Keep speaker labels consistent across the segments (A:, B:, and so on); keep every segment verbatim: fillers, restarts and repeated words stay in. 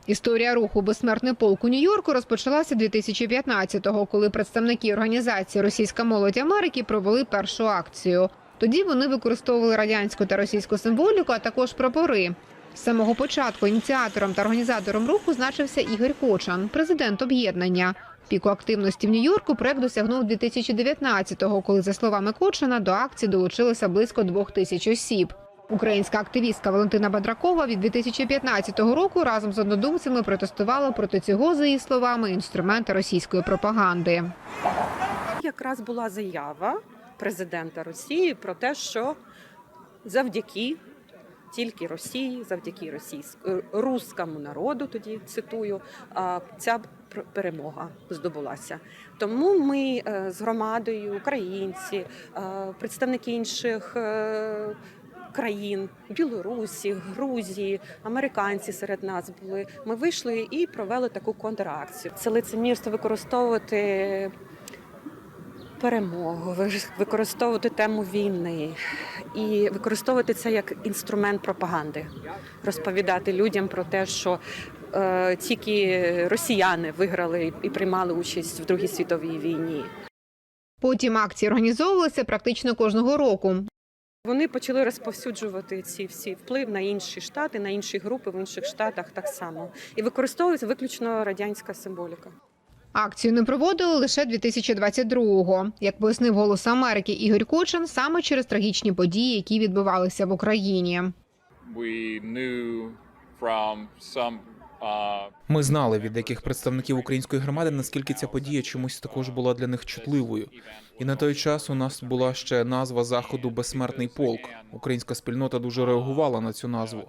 A: Історія руху «Безсмертний полк» у Нью-Йорку розпочалася дві тисячі п'ятнадцятого, коли представники організації «Російська молодь Америки» провели першу акцію. Тоді вони використовували радянську та російську символіку, а також прапори. З самого початку ініціатором та організатором руху значився Ігор Кочан, президент об'єднання. Піку активності в Нью-Йорку проект досягнув дві тисячі дев'ятнадцятого, коли, за словами Кочана, до акції долучилося близько двох тисяч осіб. Українська активістка Валентина Бадракова від дві тисячі п'ятнадцятого року разом з однодумцями протестувала проти цього, за її словами, інструмента російської пропаганди.
B: Якраз була заява президента Росії про те, що завдяки тільки Росії, завдяки російському руському народу, тоді цитую, ця перемога здобулася. Тому ми з громадою, українці, представники інших країн, Білорусі, Грузії, американці серед нас були. Ми вийшли і провели таку контракцію. Це лицемірство використовувати перемогу, використовувати тему війни і використовувати це як інструмент пропаганди. Розповідати людям про те, що е, тільки росіяни виграли і приймали участь в Другій світовій війні.
A: Потім акції організовувалися практично кожного року.
B: Вони почали розповсюджувати ці всі вплив на інші штати, на інші групи в інших штатах так само. І використовується виключно радянська символіка.
A: Акцію не проводили лише дві тисячі двадцять другого. Як пояснив «Голос Америки» Ігор Кочан, саме через трагічні події, які відбувалися в Україні.
C: Ми знали від деяких представників української громади, наскільки ця подія чомусь також була для них чутливою. І на той час у нас була ще назва заходу «Безсмертний полк». Українська спільнота дуже реагувала на цю назву.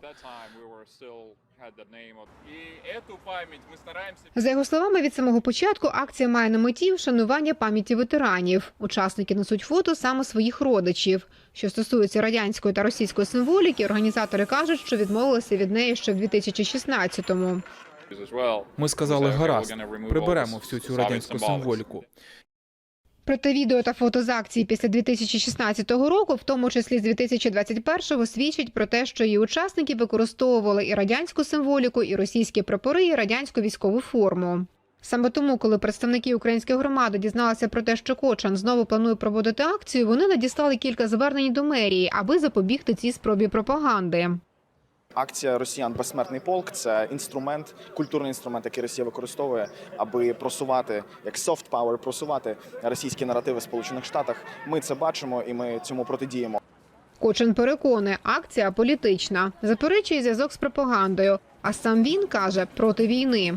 A: За його словами, від самого початку акція має на меті вшанування пам'яті ветеранів. Учасники несуть фото саме своїх родичів. Що стосується радянської та російської символіки, організатори кажуть, що відмовилися від неї ще в дві тисячі шістнадцятому.
C: Ми сказали, гаразд, приберемо всю цю радянську символіку.
A: Проте відео та фото з акції після дві тисячі шістнадцятого року, в тому числі з дві тисячі двадцять першого, свідчать про те, що її учасники використовували і радянську символіку, і російські прапори, і радянську військову форму. Саме тому, коли представники української громади дізналися про те, що Кочан знову планує проводити акцію, вони надіслали кілька звернень до мерії, аби запобігти цій спробі пропаганди.
D: Акція «Росіян. Безсмертний полк» – це інструмент, культурний інструмент, який Росія використовує, аби просувати, як soft power, просувати російські наративи в Сполучених Штатах. Ми це бачимо і ми цьому протидіємо.
A: Кочан переконує, акція політична, заперечує зв'язок з пропагандою, а сам він каже проти війни.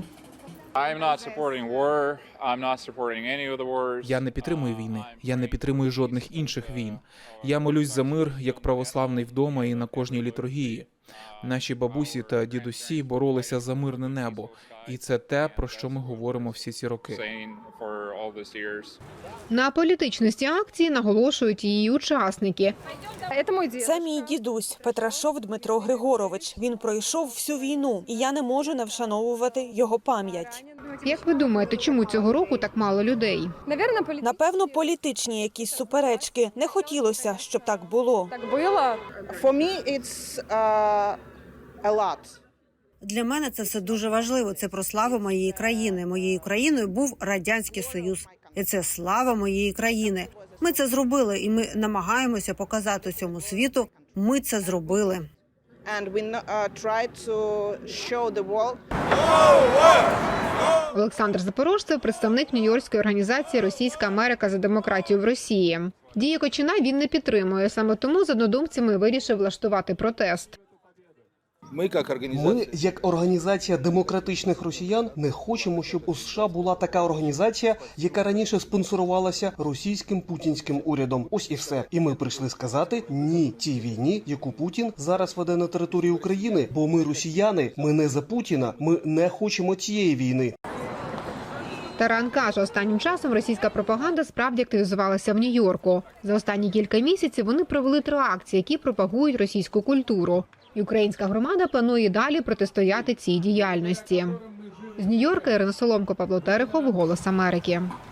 C: Я не підтримую війни, я не підтримую жодних інших війн. Я молюсь за мир, як православний вдома і на кожній літургії. Наші бабусі та дідусі боролися за мирне небо. І це те, про що ми говоримо всі ці роки.
A: На політичності акції наголошують її учасники.
E: Це мій дідусь Петрашов Дмитро Григорович. Він пройшов всю війну, і я не можу не вшановувати його пам'ять.
A: Як ви думаєте, чому цього року так мало людей?
E: Напевно, політичні якісь суперечки. Не хотілося, щоб так було.
F: Для мене це все дуже важливо. Це про славу моєї країни. Моєю країною був Радянський Союз. І це слава моєї країни. Ми це зробили, і ми намагаємося показати всьому світу. Ми це зробили.
A: Олександр Запорожцев – представник нью-йоркської організації «Російська Америка за демократію в Росії». Дії Кочана він не підтримує, саме тому з однодумцями вирішив влаштувати протест.
G: Ми, як організація демократичних росіян, не хочемо, щоб у США була така організація, яка раніше спонсорувалася російським путінським урядом. Ось і все. І ми прийшли сказати ні тій війні, яку Путін зараз веде на території України. Бо ми росіяни, ми не за Путіна, ми не хочемо цієї війни.
A: Таран каже, останнім часом російська пропаганда справді активізувалася в Нью-Йорку. За останні кілька місяців вони провели три акції, які пропагують російську культуру. І українська громада планує далі протистояти цій діяльності. З Нью-Йорка Ірина Соломко, Павло Терехов, «Голос Америки».